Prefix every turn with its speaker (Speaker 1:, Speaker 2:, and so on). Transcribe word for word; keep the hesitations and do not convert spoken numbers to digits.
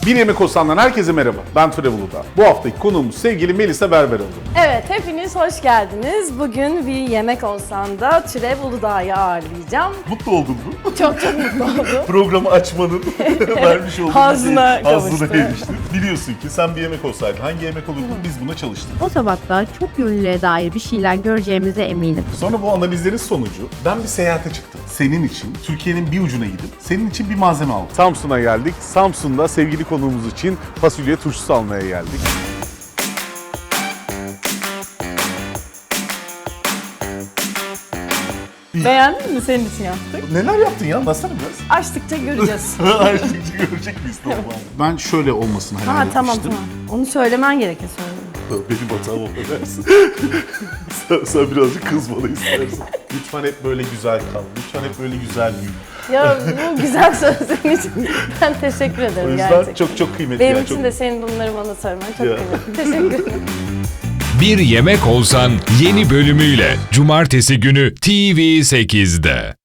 Speaker 1: Bir Yemek Olsan'dan herkese merhaba. Ben Türev Uludağ. Bu haftaki konuğumuz sevgili Melisa Berberoğlu.
Speaker 2: Evet, hepiniz hoş geldiniz. Bugün bir Yemek Olsan'da Türev Uludağ'ı ağırlayacağım.
Speaker 1: Mutlu oldun mu?
Speaker 2: Çok çok mutlu oldum.
Speaker 1: Programı açmanın vermiş olduğu
Speaker 2: Hazzına
Speaker 1: şey, hazzına
Speaker 2: kavuştu.
Speaker 1: eriştin. Biliyorsun ki sen bir yemek olsaydın hangi yemek olurdun biz buna çalıştık.
Speaker 3: O tabakta çok yönlülüğe dair bir şeyler göreceğimize eminim.
Speaker 1: Sonra bu analizlerin sonucu ben bir seyahate çıktım. Senin için Türkiye'nin bir ucuna gidip senin için bir malzeme aldım. Samsun'a geldik. Samsun'da sevgili konuğumuz için fasulye turşusu almaya geldik.
Speaker 2: Beğendin mi? Senin için yaptık.
Speaker 1: Neler yaptın ya? Anlatsana biraz.
Speaker 2: Açtıkça göreceğiz.
Speaker 1: Açtıkça görecek miyiz normal? Ben şöyle olmasını hayal
Speaker 2: Ha
Speaker 1: etmiştim.
Speaker 2: tamam tamam. Onu söylemen gerekir söyledim.
Speaker 1: Benim hatam o dersin. sen, sen birazcık kızmalı istersen. Lütfen hep böyle güzel kal. Lütfen hep böyle güzel büyü.
Speaker 2: Ya bu güzel sözlerin için ben teşekkür
Speaker 1: O
Speaker 2: ederim
Speaker 1: yüzden
Speaker 2: gerçekten.
Speaker 1: çok çok kıymetli.
Speaker 2: Benim
Speaker 1: yani,
Speaker 2: için
Speaker 1: çok...
Speaker 2: de senin bunları bana söylemen çok
Speaker 1: Ya.
Speaker 2: kıymetli. Teşekkür ederim.
Speaker 4: Bir Yemek Olsan yeni bölümüyle Cumartesi günü T V sekizde.